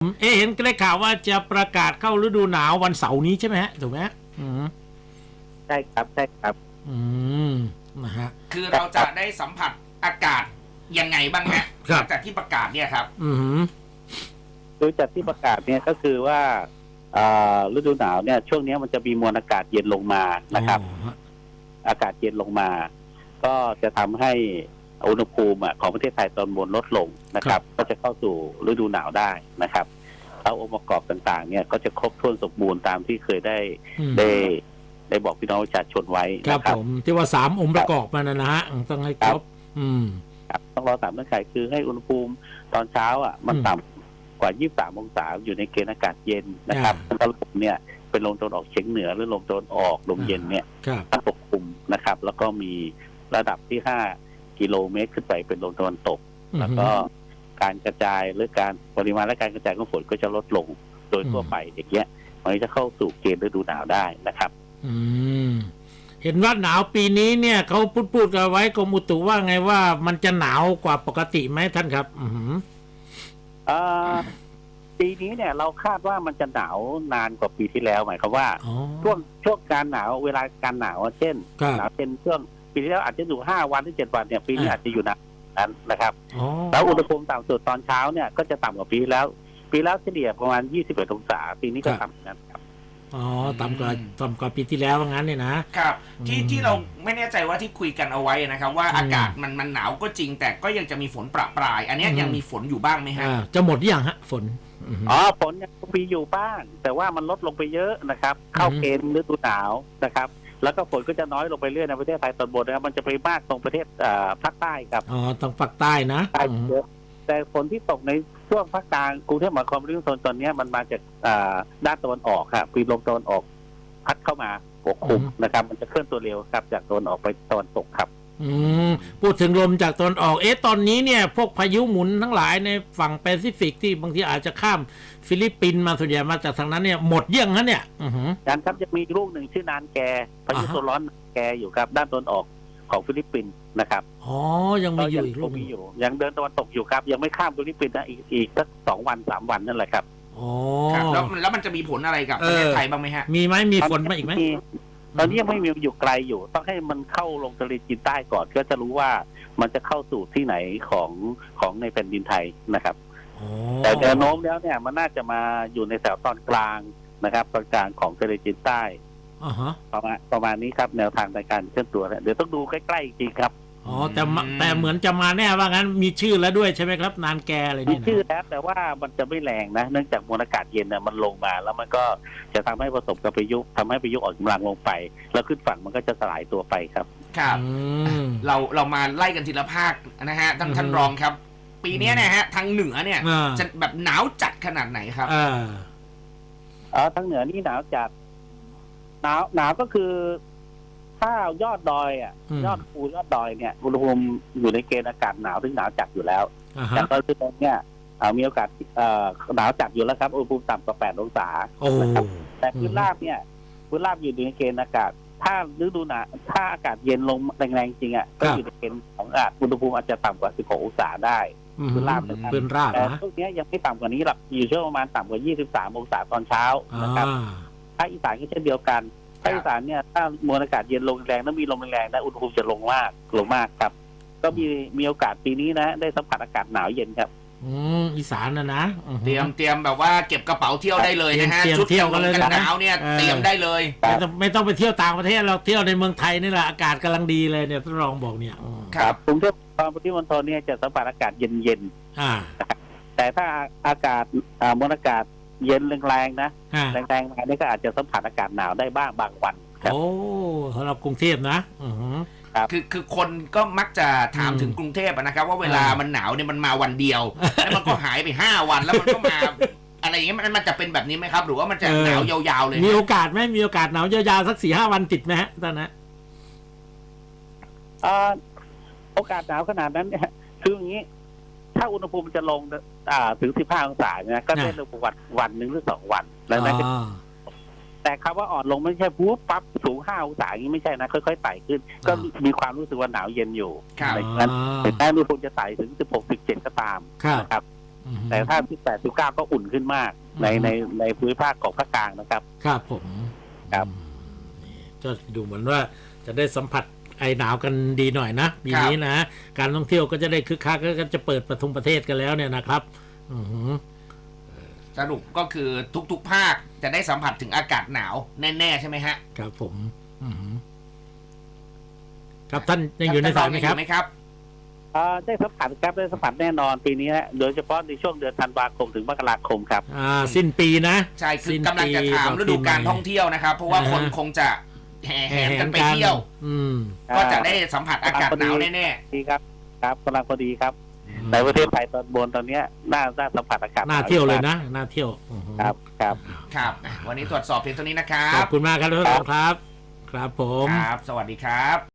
เห็นได้ข่าวว่าจะประกาศเข้าฤดูหนาววันเสาร์นี้ใช่ไหมฮะถูกไหมใช่ครับใช่ครับนะฮะคือเราจะได้สัมผัสอากาศยังไงบ้างฮะหลังจากที่ประกาศเนี่ยครับโดยจากที่ประกาศเนี่ยก็คือว่าฤดูหนาวเนี่ยช่วงนี้มันจะมีมวลอากาศเย็นลงมานะครับอากาศเย็นลงมาก็จะทำให้อุณหภูมิของประเทศไทยตอนบนลดลงนะครับก็จะเข้าสู่ฤดูหนาวได้นะครับแล้วองค์ประกอบต่างๆเนี่ยก็จะครบถ้วนสมบูรณ์ตามที่เคยได้บอกพี่น้องประชาชนไว้ครับผมที่ว่า3 องค์ประกอบมันนะฮะต้องให้ครบครับต้องรอ3 เงื่อนไขคือให้อุณหภูมิตอนเช้ามันต่ำกว่า23 องศาอยู่ในเกณฑ์อากาศเย็นนะครับแล้วลมเนี่ยเป็นลมตะวันออกเฉียงเหนือหรือลมตะวันออกลมเย็นเนี่ยปกคลุมนะครับแล้วก็มีระดับที่5 กิโลเมตรขึ้นไปเป็นลมตะวันตกแล้วก็การกระจายหรือการปริมาณและการกระจายของฝนก็จะลดลงโดยทั่วไปอย่างเงี้ยมันจะเข้าสู่เกณฑ์ฤดูหนาวได้นะครับเห็นว่าหนาวปีนี้เนี่ยเขาพูดกันไว้กรมอุตุว่าไงว่ามันจะหนาวกว่าปกติไหมท่านครับปีนี้เนี่ยเราคาดว่ามันจะหนานานานกว่าปีที่แล้วหมายความว่าช่วงการหนาวเวลาการหนาวเช่นหนาวเป็นช่วงปีที่แล้วอาจจะอยู่5 วันหรือ7 วันเนี่ยปีนี้อาจจะอยู่นานนั้นนะครับแล้วอุณหภูมิต่ำสุดตอนเช้าเนี่ยก็จะต่ำกว่าปีแล้วเฉลี่ยประมาณ21 องศาปีนี้ก็ต่ำนะครับต่ำกว่าปีที่แล้วว่างั้นเนี่ยนะครับที่เราไม่แน่ใจว่าที่คุยกันเอาไว้นะครับว่าอากาศมันหนาวก็จริงแต่ก็ยังจะมีฝนประปรายอันนี้ยังมีฝนอยู่บ้างไหมฮะจะหมดหรือยังฮะฝนฝนยังมีอยู่บ้างแต่ว่ามันลดลงไปเยอะนะครับเข้าเกณฑ์ฤดูหนาวนะครับแล้วก็ฝนก็จะน้อยลงไปเรื่อยในประเทศไทยตอนบนนะครับมันจะไปมากตรงประเทศภาคใต้ครับตรงภาคใต้นะแต่ฝนที่ตกในช่วงภาคกลางกรุงเทพมหานครปริมณฑลตอนนี้มันมาจากด้านตะวันออกครับปีลมตะวันออกพัดเข้ามาปกคลุมนะครับมันจะเคลื่อนตัวเร็วครับจากตะวันออกไปตะวันตกครับพูดถึงลมจากตะวันออกตอนนี้เนี่ยพวกพายุหมุนทั้งหลายในฝั่งแปซิฟิกที่บางทีอาจจะข้ามฟิลิปปินส์มาส่วนใหญ่มาจากทางนั้นเนี่ยหมดเยี่ยงนั้นเนี่ยการครับจะมีลูกหนึ่งชื่อนานแกพายุโซนร้อนแกอยู่ครับด้านตะวันออกของฟิลิปปินส์นะครับยังมีอยู่อีกลูกอยู่ยังเดินตะวันตกอยู่ครับยังไม่ข้ามฟิลิปปินส์นะอีกสัก2 วัน 3 วันนั่นแหละครับแล้วมันจะมีผลอะไรกับประเทศไทยบ้างไหมฮะมีไหมมีฝนมาอีกไหมตอนนี้ยังไม่มีอยู่ไกลอยู่ต้องให้มันเข้าลงทะเลจีนใต้ก่อนก็จะรู้ว่ามันจะเข้าสู่ที่ไหนของในแผ่นดินไทยนะครับแต่แนวโน้มแล้วเนี่ยมันน่าจะมาอยู่ในแถวตอนกลางนะครับตอนกลางของทะเลจีนใต้ประมาณนี้ครับแนวทางในการเคลื่อนตัวเดี๋ยวต้องดูใกล้ๆจริงครับแต่เหมือนจะมาแน่ว่างั้นมีชื่อแล้วด้วยใช่ไหมครับนานแกอะไรนี่มีชื่อแล้วแต่ว่ามันจะไม่แรงนะเนื่องจากมวลอากาศเย็นเนี่ยมันลงมาแล้วมันก็จะทำให้ผสมกับพายุทำให้พายุอ่อนกำลังลงไปแล้วขึ้นฝั่งมันก็จะสลายตัวไปครับครับเรามาไล่กันทีละภาคนะฮะท่านรองครับปีนี้เนี่ยฮะทางเหนือเนี่ยจะแบบหนาวจัดขนาดไหนครับทางเหนือนี่หนาวจัดหนาวก็คือถ้ายอดดอยยอดภูยอดดอยเนี่ยอุณหภูมิอยู่ในเกณฑ์อากาศหนาวถึงหนาวจัดอยู่แล้วแต่ตอนนี้เนี่ยมีโอกาสหนาวจัดอยู่แล้วครับอุณหภูมิต่ำกว่า8 องศานะครับแต่พื้นราบเนี่ยพื้นราบอยู่ในเกณฑ์อากาศถ้าฤดูหนาวถ้าอากาศเย็นลงแรงๆจริงก็อยู่ในเกณฑ์ของอากาศอุณหภูมิอาจจะต่ำกว่า16 องศาได้พื้นราบนะครับแต่พวกนี้ยังไม่ต่ำกว่านี้หรอกอยู่ช่วงประมาณต่ำกว่า23 องศาตอนเช้านะครับภาคอีสานก็เช่นเดียวกันภาคอีสานเนี่ยถ้ามวลอากาศเย็นลงแรงแล้วมีลมแรงนะอุณหภูมิจะลงมากครับก็มีโอกาสปีนี้นะได้สัมผัสอากาศหนาวเย็นครับอีสานนะเตรียมแบบว่าเก็บกระเป๋าเที่ยวได้เลยนะฮะชุดเที่ยวกันเลยหนาวเนี่ยเตรียมได้เลยไม่ต้องไปเที่ยวต่างประเทศเราเที่ยวในเมืองไทยนี่แหละอากาศกำลังดีเลยเนี่ยท่านรองบอกเนี่ยครับกรุงเทพปริมณฑลเนี่ยจะสัมผัสอากาศเย็นแต่ถ้าอากาศมวลอากาศเย็นแรงๆนะแรงๆมาเนี่ยก็อาจจะสัมผัสอากาศหนาวได้บ้างบางวันโอ้สำหรับกรุงเทพนะคือคนก็มักจะถามถึงกรุงเทพนะครับว่าเวลามันหนาวเนี่ยมันมาวันเดียวแล้วมันก็หายไป5 วันแล้วมันก็มาอะไรอย่างเงี้ยมันจะเป็นแบบนี้ไหมครับหรือว่ามันจะหนาวยาวๆเลยมีโอกาสไหมมีโอกาสหนาวยาวๆสัก4-5 วันติดไหมฮะตอนนั้นโอกาสหนาวขนาดนั้นเนี่ยคืออย่างนี้ถ้าอุณหภูมิจะลงถึง15 องศาเนี่ยก็ได้ลงวันหนึ่งหรือ2 วันแล้วนะแต่คำว่าอ่อนลงไม่ใช่ปุ๊บปั๊บสูง5 องศาอย่างนี้ไม่ใช่นะค่อยๆไต่ขึ้นก็มีความรู้สึกว่าหนาวเย็นอยู่ดังนั้นถึงแม้อุณหภูมิจะไต่ถึง16-17ก็ตามนะครับแต่ถ้า18 19ก็อุ่นขึ้นมากในภูมิภาคของภาคกลางนะครับครับผมครับนี่ก็ดูเหมือนว่าจะได้สัมผัสไอหนาวกันดีหน่อยนะปีนี้นะการท่องเที่ยวก็จะได้คึกคักก็จะเปิดประเทศกันแล้วเนี่ยนะครับสรุปก็คือทุกๆภาคจะได้สัมผัสถึงอากาศหนาวแน่ๆใช่ไหมฮะครับผมครับท่านยังอยู่ในสายไหมครับได้สัมผัสครับได้สัมผัสแน่นอนปีนี้นะโดยเฉพาะในช่วงเดือนธันวาคมถึงมกราคมครับสิ้นปีนะใช่คือกำลังจะถามฤดูการท่องเที่ยวนะครับ เพราะว่าคนคงจะแห่แหนกันไปเที่ยวก็จะได้สัมผัสอากาศหนาวแน่ๆดีครับครับกำลังพอดีครับในประเทศไทยตอนบนตอนนี้น่าสัมผัสอากาศน่าเที่ยวเลยนะน่าเที่ยวครับครับวันนี้ตรวจสอบเพียงเท่านี้นะครับขอบคุณมากครับทุกท่านครับ ครับผมครับ สวัสดีครับ